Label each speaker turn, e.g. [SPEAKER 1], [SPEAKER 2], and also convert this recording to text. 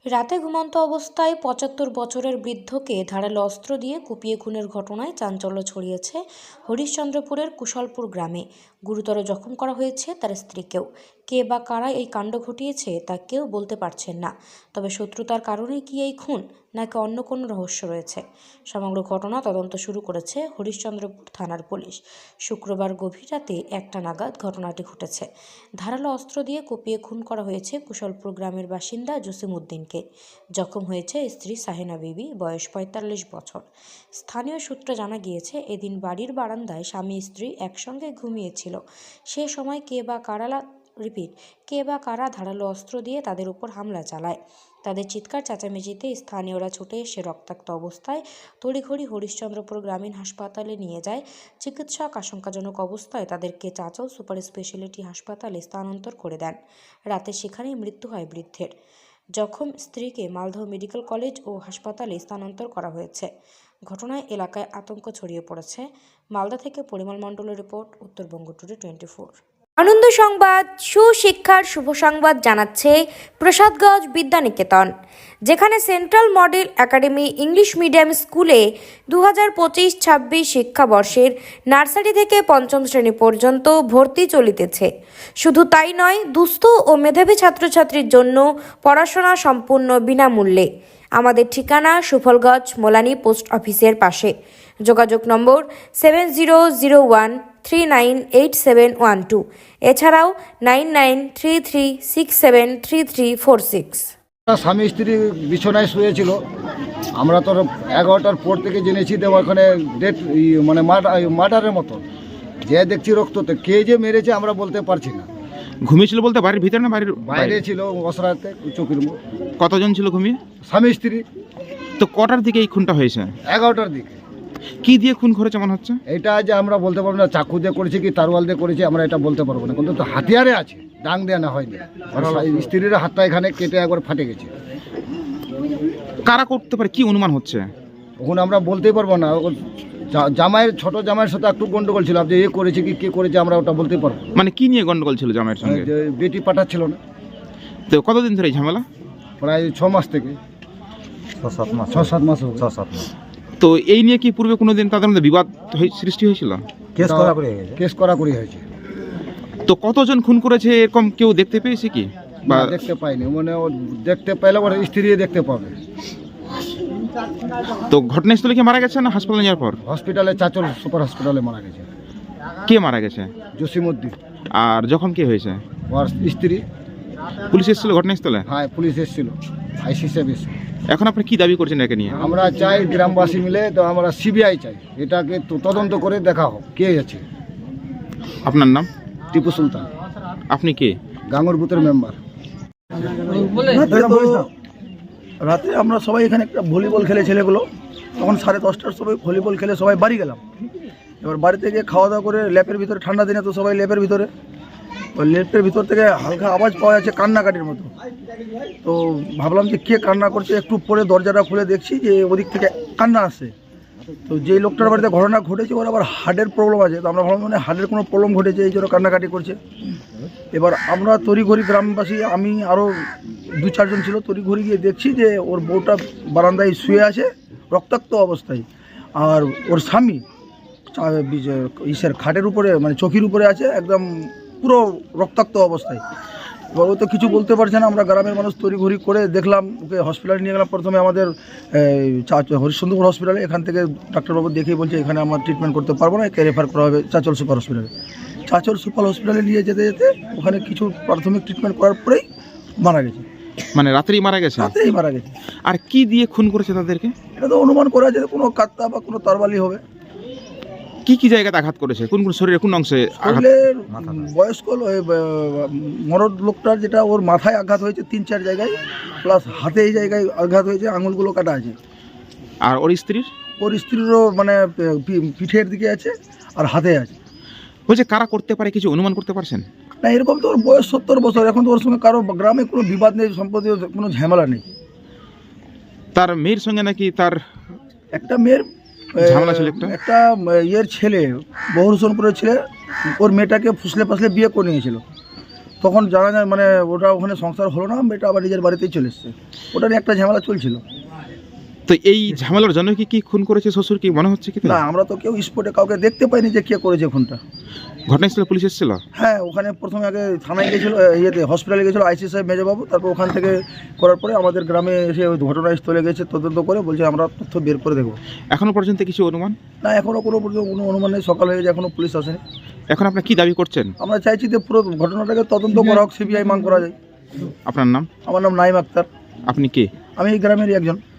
[SPEAKER 1] রাতে ঘুমন্ত অবস্থায় ৭৫ বছরের বৃদ্ধকে ধারালো অস্ত্র দিয়ে কুপিয়ে খুনের ঘটনায় চাঞ্চল্য ছড়িয়েছে হরিশ্চন্দ্রপুরের কুশলপুর গ্রামে। গুরুতর জখম করা হয়েছে তার স্ত্রীকেও। কে বা কারা এই কাণ্ড ঘটিয়েছে তা কেউ বলতে পারছেন না। তবে শত্রুতার কারণেই কি এই খুন, নাকি অন্য কোনো রহস্য রয়েছে? সমগ্র ঘটনা তদন্ত শুরু করেছে হরিশ্চন্দ্রপুর থানার পুলিশ। শুক্রবার গভীর রাতে ১টা নাগাদ ঘটনাটি ঘটেছে। ধারালো অস্ত্র দিয়ে কুপিয়ে খুন করা হয়েছে কুশলপুর গ্রামের বাসিন্দা জসিম উদ্দিনকে। জখম হয়েছে স্ত্রী সাহেনা বিবি, বয়স ৪৫ বছর। স্থানীয় সূত্রে জানা গিয়েছে, এদিন বাড়ির বারান্দায় স্বামী স্ত্রী একসঙ্গে ঘুমিয়েছিল। সে সময় কে বা কারা ধারালো অস্ত্র দিয়ে তাদের উপর হামলা চালায়। তাদের চিৎকার চেঁচামেচিতে স্থানীয়রা ছুটে এসে রক্তাক্ত অবস্থায় তড়িঘড়ি হরিশ্চন্দ্রপুর গ্রামীণ হাসপাতালে নিয়ে যায়। চিকিৎসক আশঙ্কাজনক অবস্থায় তাদেরকে চাঁচল সুপার স্পেশালিটি হাসপাতালে স্থানান্তর করে দেন। রাতে সেখানেই মৃত্যু হয় বৃদ্ধের। জখম স্ত্রীকে মালদহ মেডিকেল কলেজ ও হাসপাতালে স্থানান্তর করা হয়েছে। ঘটনায় এলাকায় আতঙ্ক ছড়িয়ে পড়েছে। মালদা থেকে পরিমল মণ্ডলের রিপোর্ট, উত্তরবঙ্গ টুডে 24। আনন্দ সংবাদ, সুশিক্ষার শুভ সংবাদ জানাচ্ছে প্রসাদগঞ্জ বিদ্যানিকেতন, যেখানে central model academy English medium স্কুলে 2025-26 শিক্ষাবর্ষের নার্সারি থেকে পঞ্চম শ্রেণী পর্যন্ত ভর্তি চলিতেছে। শুধু তাই নয়, দুস্থ ও মেধাবী ছাত্রছাত্রীর জন্য পড়াশোনা সম্পূর্ণ বিনামূল্যে। আমাদের ঠিকানা সুফলগঞ্জ মোলানি পোস্ট অফিসের পাশে। যোগাযোগ নম্বর 7001398712, এছাড়াও 9933673346।
[SPEAKER 2] স্বামী স্ত্রী বিছানায় শুয়েছিল। আমরা তো 11টার পর থেকে জেনেছি যে ওখানে ডেট মানে মার্ডারের মতো, যে দেখছি রক্ততে। কে যে মেরেছে আমরা বলতে পারছি না।
[SPEAKER 3] ঘুমিয়েছিল বলতে বাড়ির ভিতরে না বাড়ির
[SPEAKER 2] বাইরে ছিল, অসরাতে চোখের মুখ।
[SPEAKER 3] কতজন ছিল ঘুমিয়ে?
[SPEAKER 2] স্বামী স্ত্রী।
[SPEAKER 3] তো কটার দিকে এই খুনটা হয়েছে?
[SPEAKER 2] 11টার দিকে।
[SPEAKER 3] কি দিয়ে খুন করেছে মনে হচ্ছে?
[SPEAKER 2] এটা যে আমরা বলতে পারবো না, চাকু দিয়ে করেছে কি তারওয়াল দিয়ে করেছে আমরা এটা বলতে পারবো না, কিন্তু তো হাতিয়ারে আছে, ডাং দেওয়া না হয়নি। স্ত্রীর হাতটা এখানে কেটে একবার ফাটে গেছে।
[SPEAKER 3] কারা করতে পারে, কি অনুমান হচ্ছে?
[SPEAKER 2] এখন আমরা বলতেই পারবো না। জামাইয়ের, ছোট জামাইয়ের সাথে একটু গন্ডগোল ছিল, যে এ করেছে কি কে করেছে আমরা ওটা বলতে পারবো।
[SPEAKER 3] মানে কি নিয়ে গন্ডগোল ছিল জামাইয়ের সঙ্গে?
[SPEAKER 2] যে বেটি পাঠাচ্ছিল না।
[SPEAKER 3] তো কতদিন ধরে এই ঝামেলা?
[SPEAKER 2] প্রায় 6 মাস থেকে 6-7 মাস।
[SPEAKER 3] তো এই নিয়ে কি পূর্বে কোনোদিন তাদের মধ্যে বিবাদ সৃষ্টি হয়েছিল?
[SPEAKER 2] কেস করা হয়েছে।
[SPEAKER 3] তো কতজন খুন করেছে এরকম কেউ দেখতে পেয়েছে কি?
[SPEAKER 2] বা দেখতে পাইনি, মানে ও দেখতে পাইলে ওর স্ত্রী দেখতে পাবে।
[SPEAKER 3] তো ঘটনাস্থলে কি মারা গেছে না হাসপাতালে যাওয়ার পর?
[SPEAKER 2] হসপিটালে, চাঁচল সুপার হসপিটালে মারা গেছে।
[SPEAKER 3] কে মারা গেছে?
[SPEAKER 2] জসিম উদ্দিন।
[SPEAKER 3] আর জখম কে হয়েছে?
[SPEAKER 2] ওর স্ত্রী।
[SPEAKER 3] পুলিশ এসেছিল ঘটনাস্থলে?
[SPEAKER 2] হ্যাঁ, পুলিশ এসেছিল, আইসি সাহেব এসেছিল।
[SPEAKER 3] এখন আপনি কি দাবি করছেন একে নিয়ে?
[SPEAKER 2] আমরা চাই গ্রামবাসী মিলে, তো আমরা সিবিআই চাই, এটাকে তদন্ত করে দেখা হোক কে আছে।
[SPEAKER 3] আপনার নাম?
[SPEAKER 2] টিপু সুলতান।
[SPEAKER 3] আপনি কে?
[SPEAKER 2] গাঙ্গুর বুথের মেম্বার।
[SPEAKER 4] রাতে আমরা সবাই এখানে একটা ভলিবল খেলে ছেলেগুলো, তখন 10:30টার সময় ভলিবল খেলে সবাই বাড়ি গেলাম। এবার বাড়িতে গিয়ে খাওয়া দাওয়া করে ল্যাপের ভিতরে, ঠান্ডা দিনে তো সবাই ল্যাপের ভিতরে, ল্যাপের ভিতর থেকে হালকা আওয়াজ পাওয়া যাচ্ছে কান্নাকাটির মতো। তো ভাবলাম যে কে কান্না করছে, একটু পরে দরজাটা খুলে দেখছি যে ওদিক থেকে কান্না আসছে। তো যেই লোকটার বাড়িতে ঘটনা ঘটেছে ওর আবার হার্টের প্রবলেম আছে, তো আমরা ভাবলাম মানে হার্টের কোনো প্রবলেম ঘটেছে, এই জন্য কান্নাকাটি করছে। এবার আমরা তড়িঘড়ি গ্রামবাসী, আমি আরও 2-4 জন ছিল, তড়িঘড়ি গিয়ে দেখছি যে ওর বউটা বারান্দায় শুয়ে আছে রক্তাক্ত অবস্থায়, আর ওর স্বামী খাটের উপরে, মানে চৌকির উপরে আছে একদম পুরো রক্তাক্ত অবস্থায়। এবার ও তো কিছু বলতে পারছে না। আমরা গ্রামের মানুষ তড়িঘড়ি করে দেখলাম, ওকে হসপিটালে নিয়ে গেলাম। প্রথমে আমাদের হরিশ্চন্দ্রপুর হসপিটালে, এখান থেকে ডাক্তারবাবু দেখেই বলছে এখানে আমার ট্রিটমেন্ট করতে পারবো না, একে রেফার করা হবে চাঁচল সুপার হসপিটালে। চাঁচল সুপার হসপিটালে নিয়ে যেতে যেতে ওখানে কিছু প্রাথমিক ট্রিটমেন্ট করার পরেই মারা গেছে।
[SPEAKER 3] মানে রাতেই মারা গেছে?
[SPEAKER 4] রাতেই মারা গেছে।
[SPEAKER 3] আর কি দিয়ে খুন করেছে তাদেরকে?
[SPEAKER 4] এটা তো অনুমান করা যায় কোনো কাত্তা বা কোনো তরবালি হবে।
[SPEAKER 3] কি কি জায়গাতে আঘাত করেছে, কোন কোন শরীরে কোন অংশে?
[SPEAKER 4] শরীরের বয়স্ক মরদ লোকটার, যেটা ওর মাথায় আঘাত হয়েছে 3-4 জায়গায়, প্লাস হাতে এই জায়গায় আঘাত হয়েছে, আঙুলগুলো কাটা আছে।
[SPEAKER 3] আর ওর স্ত্রীর?
[SPEAKER 4] ওর স্ত্রীরও মানে পিঠের দিকে আছে আর হাতে আছে।
[SPEAKER 3] বলছে কারা করতে পারে, কিছু অনুমান করতে পারছেন?
[SPEAKER 4] না, এরকম তো ওর বয়স 70 বছর, এখন তো ওর সঙ্গে কারো গ্রামে কোনো বিবাদ নেই, সম্পত্তি কোনো ঝামেলা নেই।
[SPEAKER 3] তার মেয়ের সঙ্গে নাকি তার
[SPEAKER 4] একটা মেয়ের
[SPEAKER 3] ঝামেলা ছিল,
[SPEAKER 4] একটা ইয়ের ছেলে, বহুরসনপুরের ছেলে, ওর মেয়েটাকে ফুসলে ফাসলে বিয়ে করে নিয়েছিল। তখন জানা যায় মানে ওটা ওখানে সংসার হলো না, মেয়েটা আবার নিজের বাড়িতেই চলে এসছে। ওটা নিয়ে একটা ঝামেলা চলছিল।
[SPEAKER 3] তো এই ঝামেলার জন্য কি খুন করেছে শ্বশুর, কি মনে হচ্ছে কি তাই?
[SPEAKER 4] না, আমরা তো কেউ স্পটে কাউকে দেখতে পাইনি যে কে করেছে খুনটা।
[SPEAKER 3] ঘটনাস্থলে পুলিশ এসেছিল?
[SPEAKER 4] হ্যাঁ, ওখানে প্রথমে আগে থানায় গেছিলো, ইয়েতে হসপিটালে গেছিলো আইসি সাহেব মেজবাবু, তারপর ওখান থেকে করার পরে আমাদের গ্রামে এসে ওই ঘটনাস্থলে গেছে, তদন্ত করে বলছে আমরা তথ্য বের করে দেখবো।
[SPEAKER 3] এখনো পর্যন্ত কিছু অনুমান?
[SPEAKER 4] না, এখনও কোনো অনুমান নেই, সকাল হয়ে গেছে এখনও পুলিশ আসেনি।
[SPEAKER 3] এখন আপনার কি দাবি করছেন?
[SPEAKER 4] আমরা চাইছি যে পুরো ঘটনাটাকে তদন্ত করা হোক, সিবিআই মান করা যায়।
[SPEAKER 3] আপনার নাম?
[SPEAKER 4] আমার নাম নাইম আক্তার,
[SPEAKER 3] আপনি কে?
[SPEAKER 4] আমি এই গ্রামেরই একজন।